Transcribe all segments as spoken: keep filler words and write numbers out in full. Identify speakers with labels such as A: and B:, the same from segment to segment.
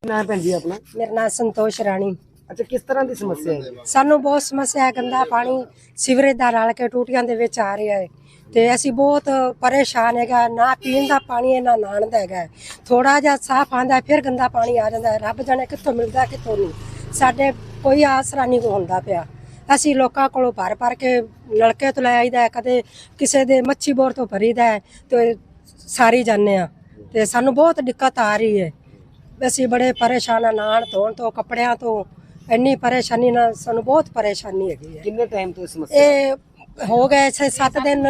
A: नाम भैन जी अपना?
B: मेरा नाम संतोष राणी।
A: अच्छा, किस तरह की समस्या है?
B: सानू बहुत समस्या है, गंदा पानी सीवरेज दा रल के टूटियां दे विच आ रहा है ते असीं बहुत परेशान है। ना पीण दा पानी है ना नहाण दा है। थोड़ा जिहा साफ आंदा है फिर गंदा पानी आ जाता है। रब जाने कित्थों मिलदा कित्थों नहीं। साडे कोई आसरा नहीं होंदा पिया। असीं लोकां कोलों भर भर के नलके तो लै आईदा है, कदे किसे दे मच्छी बोर तो भरीदा है ते सारी जाने आ ते सानू बहुत दिक्कत आ रही है। असीं बड़े परेशान आ, नहाण धोण तो कपड़ियां तो इन्नी परेशानी ना सानू बहुत परेशानी हैगी है।
A: कितने टाइम तो समस्या?
B: ये हो गए छे सत्त दिन,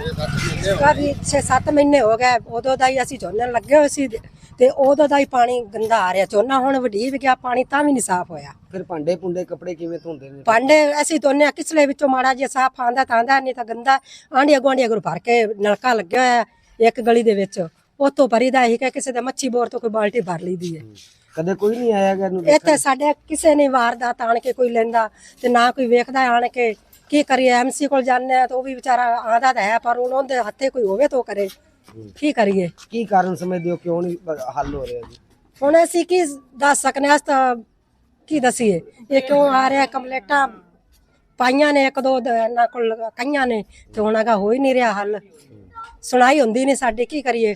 B: काफी छे सत्त महीने हो गए। उदों दा ही असीं झोने लगे होए सी ते उदों दा ही पानी गंदा आ रहा। झोना हुण वधी भी गया, पानी तां भी नहीं साफ होया।
A: फिर भांडे भुंडे कपड़े किवें धोंदे ने?
B: भांडे असीं धोने किसले विचों माड़ा जिहा साफ आंदा तां आंदा, नहीं तां गंदा आंढिया गुआंढिया कोल भर के नलका लग्या होया एक गली दे विच, उत्थों भरीदा ही कि किसी दे मच्छी बोर तो कोई बाल्टी भर लईदी है।
A: कदे कोई नहीं आया गा?
B: इत्थे साडे किसे ने वारदात आण के कोई लैंदा ते ना कोई वेखदा आण के। की करिए, एमसी कोल जाने तो भी बेचारा आंदा तां है पर हुण उहदे हत्थे कोई होवे तो करे। की करिए?
A: की कारण समझदे हो क्यों नहीं हल हो रहा जी?
B: हुण असीं की दस सकने, अस तां की दसीए ये क्यों आ रहा। कंप्लेंटां पाइयां ने एक दो इन्हां कोल कईयां ने ते हुण अगा हो ही नहीं रहा हल। सुनाई हुंदी नहीं साडी। की करिए?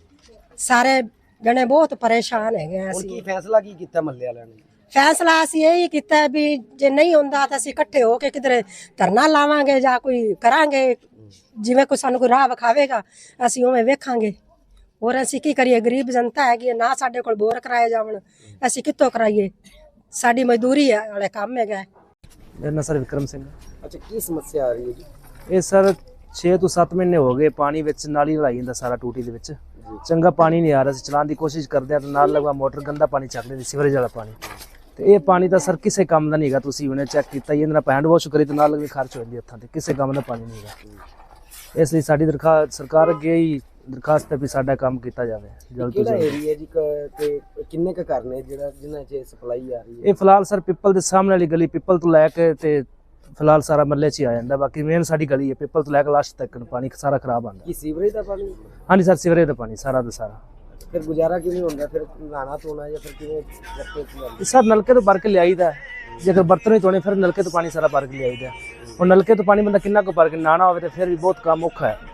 B: सारे जने बहुत परेशान है।
A: हुण की फैसला की कीता महल्ले वालियां ने?
B: फैसला असीं यही कीता है भी जे नहीं हुंदा तां असीं इकट्ठे हो के किधरे धरना लावांगे जां कोई करांगे, जिवें कोई सानू कोई राह विखावेगा असीं उवें वेखांगे। और असीं की करिए? गरीब जनता हैगी, ना साडे कोल बोर कराए जावण, असीं कित्थों कराइए? साडी मजदूरी वाले काम हैगा।
C: मेरा नाम सर विक्रम सिंह।
A: अच्छा, की समस्या आ रही है जी?
C: ये सर छे तो सत्त महीने हो गए पानी विच नाली लाई जांदा सारा टूटी दे विच। चंगा पानी नहीं आ रहा। चलाने की कोशिश करते हैं तो नाल लगवा मोटर गंदा पानी चक लेंदी, सीवरेज वाला पानी। तो ये पानी तो सर किसी काम का नहीं है। तुसीं हुणे चैक कीता ही, हैंड वॉश करी तो नाल लगवी खर्च हो जाती हत्थां ते, किसी काम का पानी नहीं है। इसलिए साडी दरखास्त सरकार अगे ही दरखास्त है भी साडा काम किया जाए जल्द तो जल्द।
A: एरिया जी ते किन्ने क घर ने जेड़ा जिन्हां च सप्लाई आ रही है?
C: ये फिलहाल सर पिपल के सामने वाली गली, पिपल तो लैके ते फिलहाल सारा मल्ले च ही आ जाता। बाकी मेन साडी गली है, पिपल तो लैके लास्ट तक पानी सारा खराब आंदा।
A: की सीवरेज का पानी?
C: हाँ जी सर, सीवरेज का पानी सारा का सारा।
A: फिर गुजारा किवें हुंदा? फिर नहाना धोना या फिर किवें रस्ते च?
C: सर नलके तो भर के लियाईदा है, जेकर बर्तन ही धोने फिर नलके तो पानी सारा भर के लियाईदा है। और नलके तो पानी बंदा किन्ना को भर के नहाना हो तो फिर भी बहुत काम औखा है।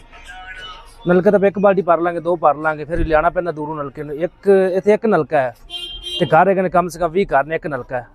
C: नलके तो एक बाल्टी भर लांगे, दो भर लांगे, फिर लियाना पैंदा दूरों नलके। एक इत्थे एक नलका है ते घर है कम से कम बीस घर ने एक नलका है।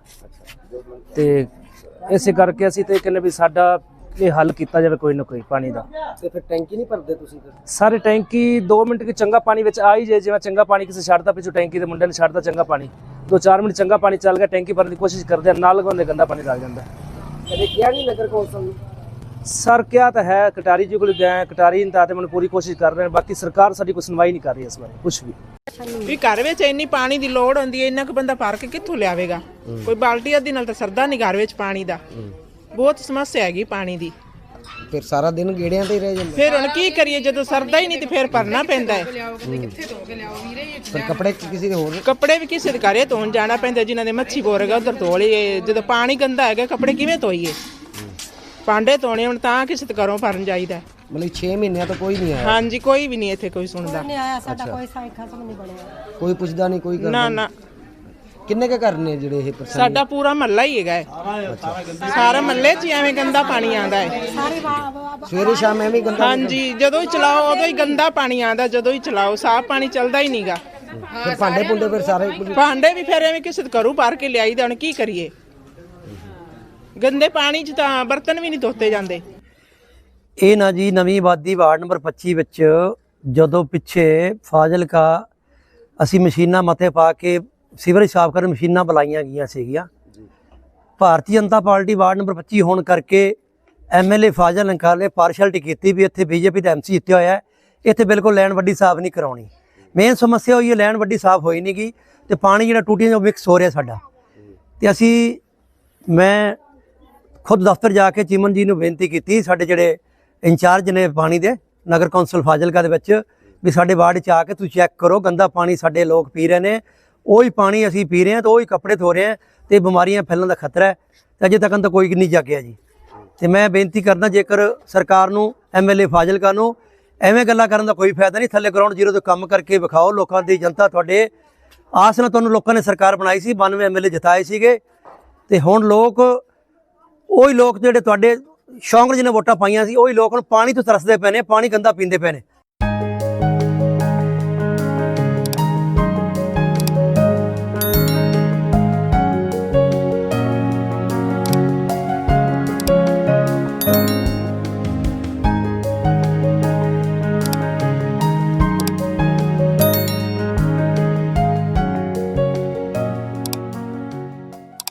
C: तो इस करके असीं ते कहने भी साडा ये हल किया जाए कोई ना कोई पानी का।
A: ते फिर टैंकी नहीं भरदे तुसीं?
C: सारे टैंकी दो मिनट की चंगा पानी विच आ ही जाए, जिवें चंगा पानी किसी छड्डदा पिछू टैंकी के मुंडे ने छड्डदा चंगा पानी, दो चार मिनट चंगा पानी चल गया टैंकी भरने की कोशिश करते हैं, नाल लगवांदे गंदा पानी लग जाता है।
A: कदे किया नहीं नगर कौंसल?
C: सर क्या तो है, कटारी जी को गए, कटारी ने मैंने पूरी कोशिश कर रहे हैं, बाकी सरकार साडी कोई सुनवाई नहीं कर रही इस बारे कुछ भी।
D: भी घर विच इन्नी पानी की लोड़ होंदी है, इन्ना क बंदा भर के कित्थों लियावेगा? कोई बाल्टी अद्धी नाल तां सरदा नहीं घर विच पानी दा। बहुत समस्या हैगी पानी दी।
A: फिर सारा दिन गेड़ियां ते ही रह जांदे।
D: फिर हुण की करिए, जदों सरदा ही नहीं ते फिर भरना पैंदा है।
A: फिर कपड़े किसी दे होर?
D: कपड़े भी किसी दे घरे धोण जाना पैंदा, जिन्हां दे मच्छी बोर हैगा उधर धो लईए। जदों पानी गंदा हैगा कपड़े किवें धोईए? भांडे धोने हुण तां किसी दे घरों भरन जाईदा।
A: मतलब छे महीने तो कोई नहीं आया?
D: हाँ जी, कोई भी नहीं इत्थे कोई सुणदा।
B: नहीं आया साडा कोई साई खत्म नहीं बनया,
A: कोई पुछदा नहीं कोई?
D: ना ना।
A: किन्ने के घर ने जेड़े ये परेशानी?
D: साडा पूरा महल्ला ही हैगा है। सारे महल्ले च एवें गंदा पानी आंदा है।
A: सवेरे शाम एवें गंदा?
D: हाँ जी, जदों ही चलाओ उदों ही गंदा पानी आंदा, जदों ही चलाओ साफ पानी चलदा ही नहींगा।
A: फिर भांडे भुंडे फिर सारे?
D: भांडे भी फिर एवें किसी दे घरों भर के लियाईदा। हुण की करिए? गंदे पानी च तां बर्तन भी नहीं धोते जांदे।
E: ਇਹ ਨਾ ਜੀ ਨਵੀਂ ਆਬਾਦੀ ਵਾਰਡ ਨੰਬਰ ਪੱਚੀ ਵਿੱਚ ਜਦੋਂ ਪਿੱਛੇ ਫਾਜ਼ਿਲਕਾ ਅਸੀਂ ਮਸ਼ੀਨਾਂ ਮੱਥੇ ਪਾ ਕੇ ਸੀਵਰੇਜ ਸਾਫ਼ ਕਰਨ ਮਸ਼ੀਨਾਂ ਬੁਲਾਈਆਂ ਗਈਆਂ ਸੀਗੀਆਂ। Bharatiya Janata party ward number ਪੱਚੀ ਹੋਣ ਕਰਕੇ ਐਮਐਲਏ ਫਾਜ਼ਿਲਕਾ ਨੇ ਪਾਰਸ਼ੈਲਿਟੀ ਕੀਤੀ ਵੀ ਇੱਥੇ ਬੀਜੇਪੀ ਦਾ ਐਮਸੀ ਜਿੱਤਿਆ ਹੋਇਆ, ਇੱਥੇ ਬਿਲਕੁਲ ਲੈਣ ਵੱਡੀ ਸਾਫ਼ ਨਹੀਂ ਕਰਾਉਣੀ। ਮੇਨ ਸਮੱਸਿਆ ਹੋਈ ਹੈ ਲੈਣ ਵੱਡੀ ਸਾਫ਼ ਹੋਈ ਨਹੀਂ ਗਈ ਤੇ ਪਾਣੀ ਜਿਹੜਾ ਟੂਟੀਆਂ 'ਚੋਂ ਮਿਕਸ ਹੋ ਰਿਹਾ ਸਾਡਾ। ਤੇ ਅਸੀਂ ਮੈਂ ਖੁਦ ਦਫ਼ਤਰ ਜਾ ਕੇ ਚੀਮਨ ਜੀ ਨੂੰ ਬੇਨਤੀ ਕੀਤੀ, ਸਾਡੇ ਜਿਹੜੇ इंचार्ज ने पानी दे नगर कौंसल फाजिलका दे विच भी साडे वार्ड च आके तुसीं चैक करो, गंदा पानी साडे लोग पी रहे हैं, वही पानी असीं पी रहे हैं तो वही कपड़े धो रहे हैं तो बीमारियां फैलण का खतरा है। तो अजे तक तो कोई नहीं जागिया जी। तो मैं बेनती करदा जेकर सरकार नूं एम एल ए फाजिलका नूं एवें गल्लां करन दा कोई फायदा नहीं, थल्ले ग्राउंड जीरो तो काम करके विखाओ, लोकां दी जनता तुहाडे ਆਸ ਨਾਲ ਤੁਹਾਨੂੰ ਲੋਕਾਂ ਨੇ ਸਰਕਾਰ ਬਣਾਈ ਸੀ, ਬਾਨਵੇਂ ਐਮਐਲਏ ਜਿਤਾਏ ਸੀਗੇ, ਤੇ ਹੁਣ ਲੋਕ ਉਹੀ ਲੋਕ ਜਿਹੜੇ ਤੁਹਾਡੇ ਸ਼ੌਂਕ ਜਿਹਨੇ ਵੋਟਾਂ ਪਾਈਆਂ ਸੀ ਉਹੀ ਲੋਕ ਹੁਣ ਪਾਣੀ ਤੋਂ ਤਰਸਦੇ ਪਏ ਨੇ, ਪਾਣੀ ਗੰਦਾ ਪੀਂਦੇ ਪਏ ਨੇ।